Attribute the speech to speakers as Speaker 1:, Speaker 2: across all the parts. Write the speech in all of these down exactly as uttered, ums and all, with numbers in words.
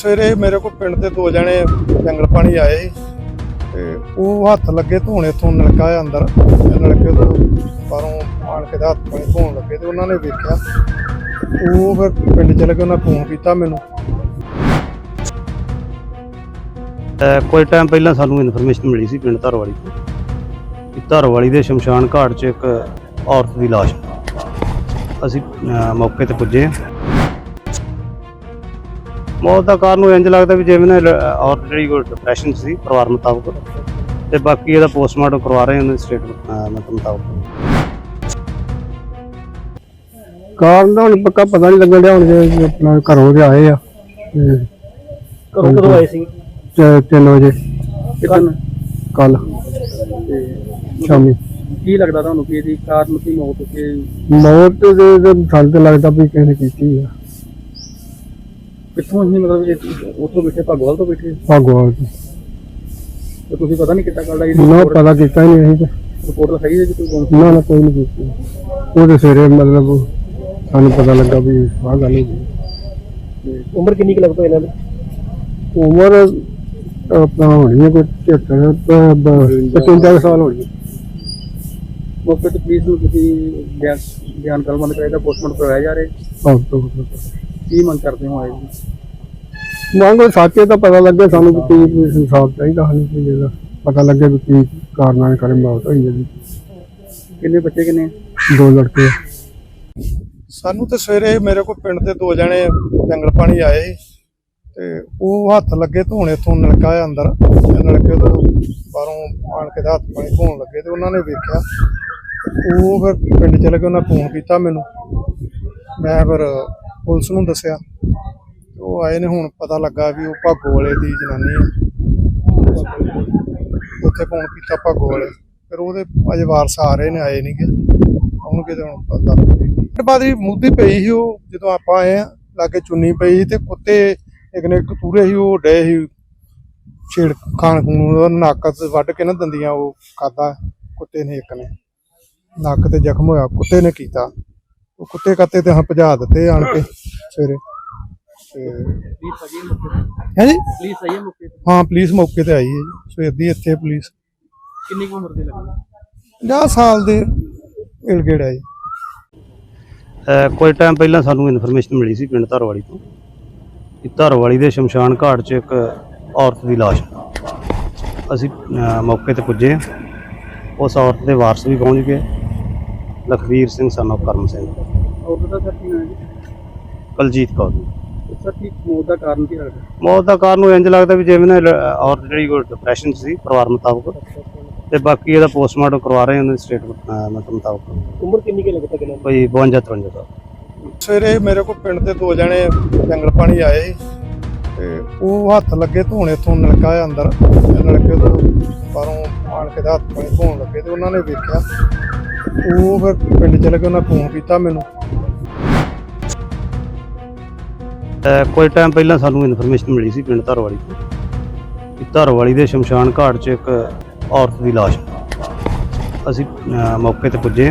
Speaker 1: ਸਵੇਰੇ ਮੇਰੇ ਕੋਲ ਪਿੰਡ ਦੇ ਦੋ ਜਣੇ ਜੰਗਲ ਪਾਣੀ ਆਏ ਸੀ ਤੇ ਉਹ ਹੱਥ ਲੱਗੇ ਧੋਣੇ ਤੋਂ ਨਲਕਾ ਆ ਅੰਦਰ ਨਲਕੇ ਤੋਂ ਬਾਹਰੋਂ ਆਣ ਕੇ ਹੱਥ ਪਾਣੀ ਧੋਣ ਲੱਗੇ ਤੇ ਉਹਨਾਂ ਨੇ ਵੇਖਿਆ ਉਹ ਫਿਰ ਪਿੰਡ ਚਲੇ ਗਏ। ਉਹਨਾਂ ਫੋਨ ਕੀਤਾ ਮੈਨੂੰ।
Speaker 2: ਕੋਈ ਟਾਈਮ ਪਹਿਲਾਂ ਸਾਨੂੰ ਇਨਫੋਰਮੇਸ਼ਨ ਮਿਲੀ ਸੀ ਪਿੰਡ ਧਰਵਾਲੀ ਤੋਂ ਕਿ ਧਰਵਾਲੀ ਦੇ ਸ਼ਮਸ਼ਾਨ ਘਾਟ 'ਚ ਇੱਕ ਔਰਤ ਦੀ ਲਾਸ਼। ਅਸੀਂ ਮੌਕੇ ਤੇ ਪੁੱਜੇ। ਮੌਤ ਦਾ ਕਾਰਨ ਇੰਜ ਲੱਗਦਾ ਵੀ ਜਿਵੇਂ ਨਾ ਔਰਤ ਜਿਹੜੀ ਕੋਈ ਡਿਪਰੈਸ਼ਨ ਸੀ ਪਰਿਵਾਰ ਮੁਤਾਬਕ, ਤੇ ਬਾਕੀ ਇਹਦਾ ਪੋਸਟਮਾਰਟਮ ਕਰਵਾ ਰਹੇ ਉਹਨਾਂ ਦੇ ਸਟੇਟਮੈਂਟ ਮੁਤਾਬਕ।
Speaker 3: ਕਾਰਨ ਦਾ ਹੁਣ ਪੱਕਾ ਪਤਾ ਨਹੀਂ ਲੱਗਣ ਡਿਆ। ਹੁਣ ਜੇ ਆਪਣਾ ਘਰੋਂ ਦੇ ਆਏ ਆ
Speaker 2: ਕਦੋਂ ਕਦੋਂ ਆਏ ਸੀ?
Speaker 3: ਤਿੰਨ ਵਜੇ
Speaker 2: ਕਿਤਨ
Speaker 3: ਕੱਲ ਸ਼ਾਮੀ।
Speaker 2: ਕੀ ਲੱਗਦਾ ਤੁਹਾਨੂੰ ਕਿ ਇਹਦੀ ਕਾਰਨ ਕੀ ਮੌਤ ਕਿ
Speaker 3: ਮੌਤ ਦੇ ਸਾਨੂੰ ਤਾਂ ਲੱਗਦਾ ਵੀ ਕਿਸੇ ਨੇ ਕੀਤੀ ਆ।
Speaker 2: ਕਿੱਥੋਂ ਹੀ ਮਤਲਬ ਉੱਥੋਂ ਬੈਠੇ ਭਗਵਾਲ ਤੋਂ ਬੈਠੇ
Speaker 3: ਭਗਵਾਨ
Speaker 2: ਤੇ ਤੁਸੀਂ ਪਤਾ ਨਹੀਂ ਕਿੱਦਾਂ ਕਰਦਾ
Speaker 3: ਨਾ ਪਤਾ ਕੀਤਾ ਹੀ ਨਹੀਂ ਅਸੀਂ।
Speaker 2: ਰਿਪੋਰਟ ਲਿਖਾਈ ਹੈ ਜੀ ਕੋਈ?
Speaker 3: ਨਾ ਨਾ ਕੋਈ ਨਹੀਂ ਕੀਤੀ। ਉਹਦੇ ਸਵੇਰੇ ਮਤਲਬ ਸਾਨੂੰ ਪਤਾ ਲੱਗਾ ਵੀ ਆਹ ਗੱਲ ਹੋ ਗਈ।
Speaker 2: ਉਮਰ ਕਿੰਨੀ ਕੁ ਲੱਗਦਾ ਇਹਨਾਂ ਦੀ?
Speaker 3: ਉਮਰ ਆਪਣਾ ਹੋਣੀ ਹੈ ਕੋਈ ਛਿਹੱਤਰ ਪਚਵੰਜਾ ਸਾਲ ਹੋਣੀ ਹੈ।
Speaker 2: ਮੌਕੇ ਤੇ ਪੁਲਿਸ ਨੂੰ ਤੁਸੀਂ ਬਿਆਨ ਬਿਆਨ ਕਲਮਬੰਦ ਕਰਾਇਆ, ਪੋਸਟਮਾਰਟਮ ਕਰਵਾਇਆ ਜਾ ਰਿਹਾ। ਕੀ ਮੰਗ ਕਰਦੇ ਹੋ ਆਏ ਜੀ?
Speaker 3: ਮੰਗ ਸਾਚੇ ਤਾਂ ਪਤਾ ਲੱਗੇ ਸਾਨੂੰ ਵੀ ਕੀ ਇਨਸਾਫ ਚਾਹੀਦਾ ਸਾਨੂੰ ਕਿ ਜਿਹੜਾ ਪਤਾ ਲੱਗੇ ਵੀ ਕੀ ਕਾਰਨਾਂ ਦੇ ਕਾਰਨ ਮੌਤ ਹੋਈ ਹੈ ਜੀ।
Speaker 2: ਕਿੰਨੇ ਬੱਚੇ ਕਿੰਨੇ?
Speaker 3: ਦੋ ਲੜਕੇ।
Speaker 1: ਸਾਨੂੰ ਤੇ ਸਵੇਰੇ ਮੇਰੇ ਕੋਲ ਪਿੰਡ ਦੇ ਦੋ ਜਣੇ ਜੰਗਲ ਪਾਣੀ ਆਏ ਸੀ ਤੇ ਉਹ ਹੱਥ ਲੱਗੇ ਧੋਣੇ ਤੋਂ ਨਲਕਾ ਆ ਅੰਦਰ ਨਲਕੇ ਤੋਂ ਬਾਹਰੋਂ ਆਣ ਕੇ ਹੱਥ ਪਾਣੀ ਧੋਣ ਲੱਗੇ ਤੇ ਉਹਨਾਂ ਨੇ ਵੇਖਿਆ ਉਹ ਫਿਰ ਪਿੰਡ ਚਲੇ ਗਏ। ਉਹਨਾਂ ਫੋਨ ਕੀਤਾ ਮੈਨੂੰ। ਮੈਂ ਫਿਰ ਪੁਲਿਸ ਨੂੰ ਦੱਸਿਆ। ਉਹ ਆਏ ਨੇ। ਹੁਣ ਪਤਾ ਲੱਗਾ ਵੀ ਉਹ ਭਾਗੋ ਵਾਲੇ ਦੀ ਜਨਾਨੀ ਹੈ। ਉੱਥੇ ਫੋਨ ਕੀਤਾ ਭਾਗੋ ਵਾਲੇ। ਫਿਰ ਉਹਦੇ ਅਜੇ ਵਾਰਸ ਆ ਰਹੇ ਨੇ, ਆਏ ਨਹੀਂ ਗੇ। ਆਉਣਗੇ ਤੇ ਹੁਣ ਪਤਾ ਬਾਅਦ ਵੀ ਮੁੱਦੀ ਪਈ ਸੀ। ਉਹ ਜਦੋਂ ਆਪਾਂ ਆਏ ਆ ਲਾਗੇ ਚੁੰਨੀ ਪਈ ਸੀ ਤੇ ਕੁੱਤੇ ਇੱਕ ਨੇ ਕਤੂਰੇ ਸੀ ਉਹ ਡੇ ਸੀ ਛੇੜ ਖਾਣ ਖੂਨ ਨੱਕ ਵੱਢ ਕੇ ਨਾ ਦੰਦੀਆਂ ਉਹ ਖਾਧਾ ਕੁੱਤੇ ਨੇ। ਇੱਕ ਨੇ ਨੱਕ ਤੇ ਜ਼ਖਮ ਹੋਇਆ ਕੁੱਤੇ ਨੇ ਕੀਤਾ। ਉਹ ਕੁੱਤੇ ਕੱਤੇ ਤੇ ਹਾਂ ਭਜਾ ਦਿੱਤੇ ਆਣ ਕੇ ਸਵੇਰੇ। ਹੈ ਜੀ ਹਾਂ ਪੁਲਿਸ ਮੌਕੇ ਤੇ ਆਈ ਹੈ ਜੀ ਸਵੇਰ ਦੀ ਇੱਥੇ ਪੁਲਿਸ।
Speaker 2: ਕਿੰਨੀ ਕੁ ਉਮਰ ਦੇ ਲੱਗੇ?
Speaker 1: ਪੰਜਾਹ ਸਾਲ ਦੇ ਇਲ ਗੇੜ ਹੈ ਜੀ।
Speaker 2: ਕੋਈ ਟਾਈਮ ਪਹਿਲਾਂ ਸਾਨੂੰ ਇਨਫੋਰਮੇਸ਼ਨ ਮਿਲੀ ਸੀ ਪਿੰਡ ਧਰਵਾਲੀ ਤੋਂ ਕਿ ਧਰਵਾਲੀ ਦੇ ਸ਼ਮਸ਼ਾਨ ਘਾਟ 'ਚ ਇੱਕ ਔਰਤ ਦੀ ਲਾਸ਼। ਅਸੀਂ ਮੌਕੇ ਤੇ ਪੁੱਜੇ। ਉਸ ਔਰਤ ਦੇ ਵਾਰਸ ਵੀ ਪਹੁੰਚ ਗਏ। Lakhvir Singh son of Karam Singh. ਔਰਤ ਦਾ ਸਰ ਕੀ ਨਾਮ ਹੈ? ਕਲਜੀਤ ਕੌਰ। ਸਰ ਕੀ ਮੌਤ ਦਾ ਕਾਰਨ ਕੀ ਲੱਗਦਾ? ਮੌਤ ਦਾ ਕਾਰਨ ਇੰਜ ਲੱਗਦਾ ਵੀ ਜਿਵੇਂ ਨਾ ਔਰਤ ਜਿਹੜੀ ਕੋਈ ਡਿਪਰੈਸ਼ਨ ਸੀ ਪਰਿਵਾਰ ਮੁਤਾਬਕ, ਤੇ ਬਾਕੀ ਇਹਦਾ ਪੋਸਟਮਾਰਟਮ ਕਰਵਾ ਰਹੇ ਉਹਨਾਂ ਦੇ ਸਟੇਟਮੈਂਟ ਮੁਤਾਬਕ। ਉਮਰ ਕਿੰਨੀ ਕੁ ਲੱਗਦਾ ਕਿੰਨਾ? ਕੋਈ ਬਵੰਜਾ ਤਰਵੰਜਾ ਸਾਲ।
Speaker 1: ਸਵੇਰੇ ਮੇਰੇ ਕੋਲ ਪਿੰਡ ਦੇ ਦੋ ਜਣੇ ਜੰਗਲ ਪਾਣੀ ਆਏ ਸੀ ਤੇ ਉਹ ਹੱਥ ਲੱਗੇ ਧੋਣੇ ਤੋਂ ਨਲਕਾ ਆ ਅੰਦਰ ਨਲਕੇ ਤੋਂ ਬਾਹਰੋਂ ਆਣ ਕੇ ਹੱਥ ਪਾਣੀ ਧੋਣ ਲੱਗੇ ਤੇ ਉਹਨਾਂ ਨੇ ਵੇਖਿਆ ਉਹ ਫਿਰ ਪਿੰਡ ਚਲੇ ਗਏ। ਉਹਨਾਂ ਫੋਨ ਕੀਤਾ ਮੈਨੂੰ।
Speaker 2: ਕੋਈ ਟਾਈਮ ਪਹਿਲਾਂ ਸਾਨੂੰ ਇਨਫੋਰਮੇਸ਼ਨ ਮਿਲੀ ਸੀ ਪਿੰਡ ਧਰਵਾਲੀ ਤੋਂ ਕਿ ਧਰਵਾਲੀ ਦੇ ਸ਼ਮਸ਼ਾਨ ਘਾਟ 'ਚ ਇੱਕ ਔਰਤ ਦੀ ਲਾਸ਼। ਅਸੀਂ ਮੌਕੇ ਤੇ ਪੁੱਜੇ।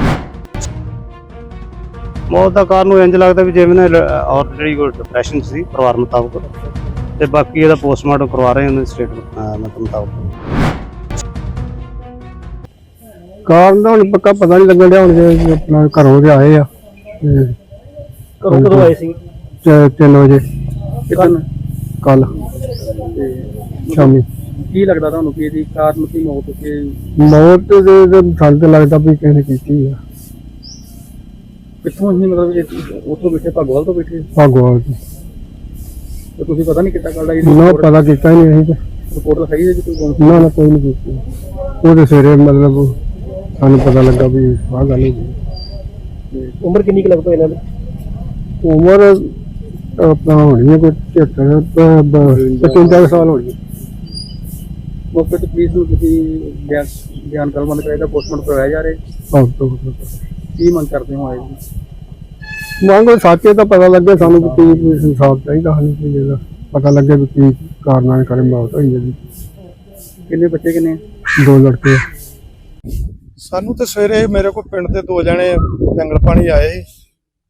Speaker 2: ਮੌਤ ਦਾ ਕਾਰਨ ਇੰਜ ਲੱਗਦਾ ਵੀ ਜਿਵੇਂ ਨਾ ਔਰਤ ਜਿਹੜੀ ਕੋਈ ਡਿਪਰੈਸ਼ਨ ਸੀ ਪਰਿਵਾਰ ਮੁਤਾਬਕ, ਤੇ ਬਾਕੀ ਇਹਦਾ ਪੋਸਟਮਾਰਟਮ ਕਰਵਾ ਰਹੇ ਉਹਨਾਂ ਦੇ ਸਟੇਟਮੈਂਟ ਮੁਤਾਬਕ।
Speaker 3: ਕਾਰਨ ਦਾ ਹੁਣ ਪੱਕਾ ਪਤਾ ਨਹੀਂ ਲੱਗਣ ਡਿਆ। ਹੁਣ ਜੇ ਆਪਣਾ ਘਰੋਂ ਦੇ ਆਏ ਆ
Speaker 2: ਕਦੋਂ ਕਦੋਂ ਆਏ ਸੀ?
Speaker 3: ਤਿੰਨ ਵਜੇ
Speaker 2: ਕਿਤਨ
Speaker 3: ਕੱਲ ਸ਼ਾਮੀ।
Speaker 2: ਕੀ ਲੱਗਦਾ ਤੁਹਾਨੂੰ ਕਿ ਇਹਦੀ ਕਾਰਨ ਕੀ ਮੌਤ ਕਿ
Speaker 3: ਮੌਤ ਦੇ ਸਾਨੂੰ ਤਾਂ ਲੱਗਦਾ ਵੀ ਕਿਸੇ ਨੇ ਕੀਤੀ ਆ।
Speaker 2: ਕਿੱਥੋਂ ਹੀ ਮਤਲਬ ਉੱਥੋਂ ਬੈਠੇ ਭਗਵਾਲ ਤੋਂ ਬੈਠੇ
Speaker 3: ਭਗਵਾਨ
Speaker 2: ਤੇ ਤੁਸੀਂ ਪਤਾ ਨਹੀਂ ਕਿੱਦਾਂ ਕਰਦਾ
Speaker 3: ਨਾ ਪਤਾ ਕੀਤਾ ਹੀ ਨਹੀਂ ਅਸੀਂ।
Speaker 2: ਰਿਪੋਰਟ ਲਿਖਾਈ ਹੈ ਜੀ ਕੋਈ?
Speaker 3: ਨਾ ਨਾ ਕੋਈ ਨਹੀਂ ਕੀਤੀ। ਉਹਦੇ ਸਵੇਰੇ ਮਤਲਬ ਸਾਨੂੰ ਪਤਾ ਲੱਗਾ ਵੀ ਆਹ ਗੱਲ ਹੋ ਗਈ।
Speaker 2: ਉਮਰ ਕਿੰਨੀ ਕੁ ਲੱਗਦਾ ਇਹਨਾਂ ਦੀ?
Speaker 3: ਉਮਰ ਆਪਣਾ ਹੋਣੀ ਹੈ ਕੋਈ ਛਿਹੱਤਰ ਪਚਵੰਜਾ ਸਾਲ ਹੋਣੀ ਹੈ।
Speaker 2: ਮੌਕੇ ਤੇ ਪੁਲਿਸ ਨੂੰ ਤੁਸੀਂ ਬਿਆਨ ਬਿਆਨ ਕਲਮਬੰਦ ਕਰਾਇਆ, ਪੋਸਟਮਾਰਟਮ ਕਰਵਾਇਆ ਜਾ ਰਿਹਾ। ਕੀ ਮੰਗ ਕਰਦੇ ਹੋ ਆਏ ਜੀ?
Speaker 3: ਮੰਗ ਸਾਚੇ ਤਾਂ ਪਤਾ ਲੱਗੇ ਸਾਨੂੰ ਵੀ ਕੀ ਇਨਸਾਫ ਚਾਹੀਦਾ ਸਾਨੂੰ ਕਿ ਜਿਹੜਾ ਪਤਾ ਲੱਗੇ ਵੀ ਕੀ ਕਾਰਨਾਂ ਦੇ ਕਾਰਨ ਮੌਤ ਹੋਈ ਹੈ ਜੀ।
Speaker 2: ਕਿੰਨੇ ਬੱਚੇ ਕਿੰਨੇ?
Speaker 3: ਦੋ ਲੜਕੇ।
Speaker 1: ਸਾਨੂੰ ਤੇ ਸਵੇਰੇ ਮੇਰੇ ਕੋਲ ਪਿੰਡ ਦੇ ਦੋ ਜਣੇ ਜੰਗਲ ਪਾਣੀ ਆਏ ਸੀ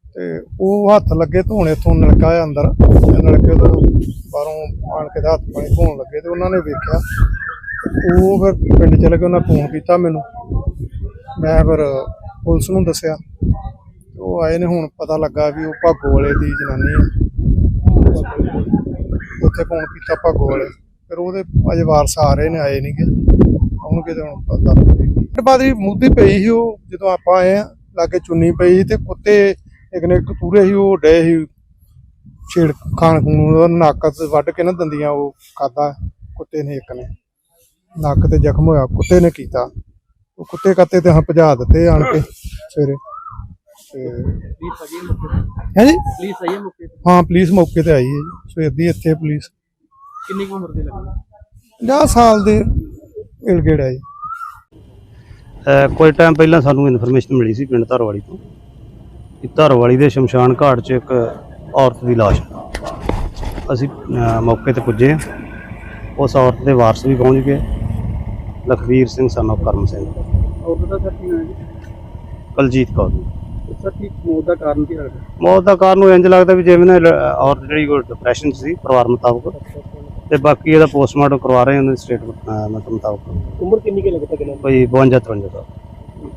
Speaker 1: ਤੇ ਉਹ ਹੱਥ ਲੱਗੇ ਧੋਣੇ ਤੋਂ ਨਲਕਾ ਆ ਅੰਦਰ ਤੇ ਨਲਕੇ ਤੋਂ ਬਾਹਰੋਂ ਆਣ ਕੇ ਤੇ ਹੱਥ ਪਾਣੀ ਧੋਣ ਲੱਗੇ ਤੇ ਉਹਨਾਂ ਨੇ ਵੇਖਿਆ। ਉਹ ਫਿਰ ਪਿੰਡ ਚਲੇ ਗਏ, ਉਹਨਾਂ ਫੋਨ ਕੀਤਾ ਮੈਨੂੰ, ਮੈਂ ਫਿਰ ਪੁਲਿਸ ਨੂੰ ਦੱਸਿਆ। ਉਹ ਆਏ ਨੇ, ਹੁਣ ਪਤਾ ਲੱਗਾ ਵੀ ਉਹ ਭਾਗੋ ਵਾਲੇ ਦੀ ਜਨਾਨੀ ਹੈ। ਉੱਥੇ ਫੋਨ ਕੀਤਾ ਭਾਗੋ ਵਾਲੇ, ਫਿਰ ਉਹਦੇ ਅਜੇ ਵਾਰਸ ਆ ਰਹੇ ਨੇ, ਆਏ ਨਹੀਂ ਗੇ, ਆਉਣਗੇ ਤੇ ਹੁਣ ਪਤਾ। ਬਾਅਦ ਹੀ ਮੁੱਦੀ ਪਈ ਸੀ ਉਹ, ਜਦੋਂ ਆਪਾਂ ਆਏ ਆ ਲਾਗੇ ਚੁੰਨੀ ਪਈ ਸੀ ਤੇ ਕੁੱਤੇ ਇੱਕ ਨੇ ਕਤੂਰੇ ਸੀ, ਉਹ ਡੇ ਸੀ ਛੇੜ ਖਾਣ ਖੂਨ, ਨੱਕ ਵੱਢ ਕੇ ਨਾ ਦੰਦੀਆਂ ਉਹ ਖਾਧਾ ਕੁੱਤੇ ਨੇ, ਇੱਕ ਨੇ ਨੱਕ ਤੇ ਜ਼ਖਮ ਹੋਇਆ, ਕੁੱਤੇ ਨੇ ਕੀਤਾ। ਉਹ ਕੁੱਤੇ ਕੱਤੇ ਤੇ ਹਾਂ ਭਜਾ ਦਿੱਤੇ ਆਣ ਕੇ ਸਵੇਰੇ। ਤੇ ਹੈ ਜੀ, ਹਾਂ ਪੁਲਿਸ ਮੌਕੇ ਤੇ ਆਈ ਹੈ ਜੀ, ਸਵੇਰ ਦੀ ਇੱਥੇ ਪੁਲਿਸ।
Speaker 4: ਕਿੰਨੀ ਕੁ ਉਮਰ ਦੇ ਲੱਗੇ?
Speaker 1: ਪੰਜਾਹ ਸਾਲ ਦੇ ਇਲ ਗੇੜ ਹੈ ਜੀ।
Speaker 2: ਅਹ ਕੁਝ ਟਾਈਮ ਪਹਿਲਾਂ ਸਾਨੂੰ ਇਨਫੋਰਮੇਸ਼ਨ ਮਿਲੀ ਸੀ ਪਿੰਡ ਧਾਰੋਵਾਲੀ ਤੋਂ ਕਿ ਧਾਰੋਵਾਲੀ ਦੇ ਸ਼ਮਸ਼ਾਨ ਘਾਟ 'ਚ ਇੱਕ ਔਰਤ ਦੀ ਲਾਸ਼ ਹੈ। ਅਸੀਂ ਅਹ ਮੌਕੇ ਤੇ ਪੁੱਜੇ ਹਾਂ। ਉਸ ਔਰਤ ਦੇ ਵਾਰਸ ਵੀ ਪਹੁੰਚ ਗਏ, ਲਖਵੀਰ ਸਿੰਘ son of ਕਰਮ ਸਿੰਘ,
Speaker 4: ਔਰਤ ਦਾ ਸਰ ਕੀ ਨਾਮ ਹੈ?
Speaker 2: ਕੁਲਜੀਤ ਕੌਰ।
Speaker 4: ਸਰ ਕੀ ਮੌਤ ਦਾ ਕਾਰਨ ਕੀ ਲੱਗਦਾ?
Speaker 2: ਮੌਤ ਦਾ ਕਾਰਨ ਉਹ ਇੰਝ ਲੱਗਦਾ ਵੀ ਜਿਵੇਂ ਨਾ ਲ- ਔਰਤ ਜਿਹੜੀ ਕੋਈ ਡਿਪਰੈਸ਼ਨ 'ਚ ਸੀ ਪਰਿਵਾਰ ਮੁਤਾਬਕ, ਤੇ ਬਾਕੀ ਇਹਦਾ ਪੋਸਟਮਾਰਟਮ ਕਰਵਾ ਰਹੇ ਹਾਂ ਉਹਨਾਂ ਦੀ ਸਟੇਟਮੈਂਟ ਮੁਤਾਬਕ।
Speaker 4: ਉਮਰ ਕਿੰਨੀ ਕੁ ਲੱਗਦਾ ਕਿੰਨਾ?
Speaker 2: ਕੋਈ ਬਵੰਜਾ ਤਰਵੰਜਾ ਸਾਲ।